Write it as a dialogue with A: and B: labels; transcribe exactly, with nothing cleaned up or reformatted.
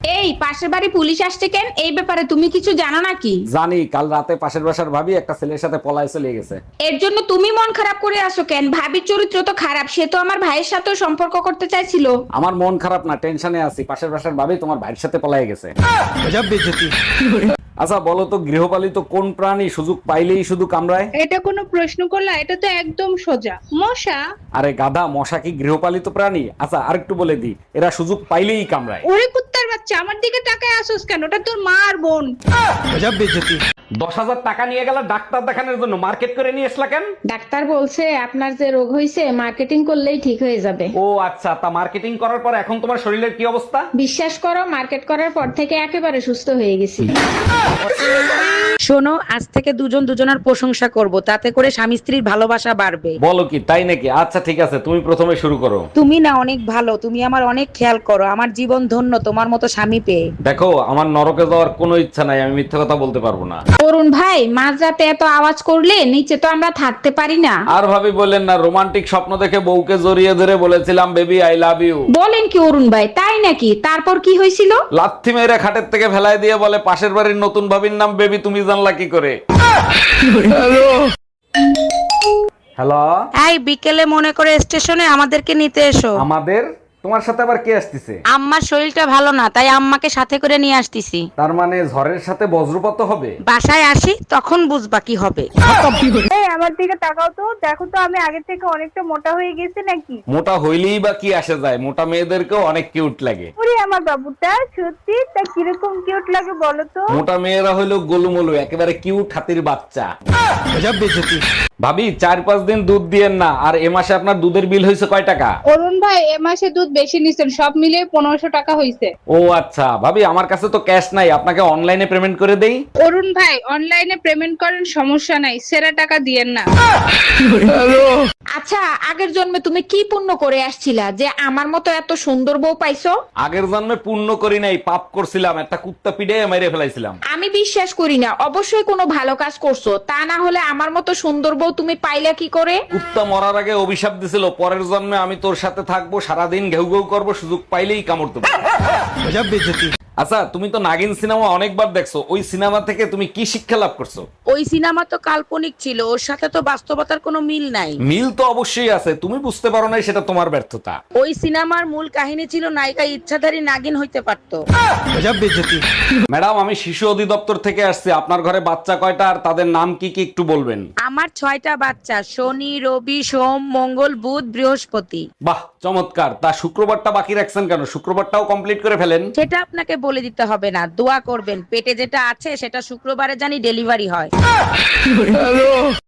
A: এই পাশের বাড়ি পুলিশ আসছে কেন? এই ব্যাপারে তুমি কিছু জানো নাকি?
B: জানি, কাল রাতে পাশের বাসার ভাবি একটা ছেলের সাথে পলায় চলে গেছে।
A: এর জন্য তুমি মন খারাপ করে আসো কেন? ভাবির চরিত্র তো খারাপ, সে তো আমার ভাইয়ের সাথেও সম্পর্ক করতে চাইছিল।
B: আমার মন খারাপ না, টেনশনে আছি। পাশের বাসার ভাবি তোমার ভাইয়ের সাথে পলায় গেছে। আচ্ছা বলো তো, গৃহপালিত কোন প্রাণী সুযোগ পাইলেই শুধু কামড়ায়?
C: এটা কোনো প্রশ্ন করলা? এটা তো একদম সোজা, মশা।
B: আরে গাধা, মশা কি গৃহপালিত প্রাণী? আচ্ছা আরেকটু বলে দিই, এরা সুযোগ পাইলেই কামড়ায়।
C: ওরে কুত্তার বাচ্চা, আমার দিকে তাকায় আসোস কেন? ওটা তোর মা আর বোন।
B: দশ হাজার টাকা নিয়ে গেল ডাক্তার দেখানোর জন্য, মার্কেট করে নিয়ে আসলা কেন?
A: ডাক্তার বলছে আপনার যে রোগ হয়েছে মার্কেটিং করলেই ঠিক হয়ে যাবে।
B: ও আচ্ছা, তা মার্কেটিং করার পর এখন তোমার শরীরের কি অবস্থা?
A: বিশ্বাস করো, মার্কেট করার পর থেকে একেবারে সুস্থ হয়ে গেছি।
D: শোনো, আজ থেকে দুজন দুজনের প্রশংসা করব, তাতে করে স্বামী স্ত্রীর ভালোবাসা বাড়বে।
B: বলো কি, তাই নাকি? আচ্ছা ঠিক আছে, তুমি প্রথমে শুরু করো।
D: তুমি না অনেক ভালো, তুমি আমার অনেক খেয়াল করো, আমার জীবন ধন্য তোমার মতো স্বামী পেয়ে।
B: দেখো, আমার নরকে যাওয়ার কোনো ইচ্ছা নাই, আমি মিথ্যা কথা বলতে পারবো না।
A: অরুণ ভাই, মাঝরাতে এত আওয়াজ করলে নিচে তো আমরা থাকতে পারি না।
B: আর ভাবি বললেন না, রোমান্টিক স্বপ্ন দেখে বউকে জড়িয়ে ধরে বলেছিলাম বেবি আই লাভ ইউ।
A: বলেন কি অরুণ ভাই, তাই নাকি? তারপর কি হয়েছিল?
B: লাথি মেরে খাটের থেকে ফেলাই দিয়ে বলে পাশের বাড়ির নতুন ভাবির নাম বেবি, তুমি জানলা কি করে? হ্যালো।
D: এই বিকেলে মনে করে স্টেশনে আমাদেরকে নিতে এসো।
B: আমাদের? তোমার সাথে আবার কে আসতেছে?
D: আম্মার শরীরটা ভালো না, তাই আম্মাকে সাথে করে নিয়ে আসতেছি।
B: তার মানে ঝড়ের সাথে বজ্রপাত হবে?
D: বাসায় আসি তখন বুঝবা কি হবে।
C: এই আমার দিকে তাকাও তো, দেখো তো আমি আগের থেকে অনেকটা মোটা হয়ে গেছি নাকি?
B: মোটা হইলেই বা কি আসে যায়, মোটা মেয়েদেরকেও অনেক কিউট লাগে।
C: ওরে আমার বাবুটা, সত্যি তা কিরকম কিউট লাগে বলো তো?
B: মোটা মেয়েরা হইলো গোলুমলু, একেবারে কিউট হাতির বাচ্চা। ভাবি, চার পাঁচ দিন দুধ দিয়েন না, আর এ মাসে আপনার দুধের বিল হয়েছে কয় টাকা?
C: অরুণ ভাই, এ মাসে দুধ বেশি নিছেন, সব মিলিয়ে পনেরোশো টাকা হয়েছে।
B: ও আচ্ছা ভাবি, আমার কাছে তো ক্যাশ নাই, আপনাকে অনলাইনে পেমেন্ট করে দেই।
C: অরুণ ভাই, অনলাইনে পেমেন্ট করেন, সমস্যা নাই, সেরা টাকা দিয়েন না।
A: আচ্ছা, আগের জন্মে তুমি কি পুণ্য করে আসছিলা যে আমার মতো এত সুন্দর বউ পাইছো?
B: আগের জন্মে পুণ্য করি নাই, পাপ করছিলাম, একটা কুত্তা পিঠে মেরে ফেলাইছিলাম।
A: আমি বিশ্বাস করি না, অবশ্যই কোনো ভালো কাজ করছো, তা না হলে আমার মতো সুন্দর বউ তুমি পাইলা কি করে?
B: কুত্তা মরার আগে অভিশাপ দিছিল, পরের জন্মে আমি তোর সাথে থাকবো, সারাদিন ঘেউ ঘেউ করবো, সুযোগ পাইলেই কামড় দেবো। আচ্ছা, তুমি তো নাগিন সিনেমা অনেকবার দেখছো, ওই সিনেমা থেকে তুমি কি শিক্ষা লাভ করছো?
D: ওই সিনেমা তো কাল্পনিক ছিল, ওর সাথে তো বাস্তবতার কোনো মিল নাই।
B: মিল তো অবশ্যই আছে, তুমি বুঝতে পারো নাই, সেটা তোমার ব্যর্থতা।
D: ওই সিনেমার মূল কাহিনী ছিল নায়িকা ইচ্ছাধারী নাগিন হইতে পারতো।
B: ম্যাডাম, আমি শিশু অধিদপ্তর থেকে আসছি, আপনার ঘরে বাচ্চা কয়টা আর তাদের নাম কি কি একটু বলবেন?
D: আমার ছয়টা বাচ্চা, শনি রবি সোম মঙ্গল বুধ বৃহস্পতি।
B: বাহ চমৎকার, তা শুক্রবারটা বাকি রাখছেন কেন? শুক্রবারটাও কমপ্লিট করে ফেলেন।
D: সেটা আপনাকে বলে দিতে হবে না, দোয়া করবেন পেটে যেটা আছে সেটা শুক্রবারে জানি ডেলিভারি হয়।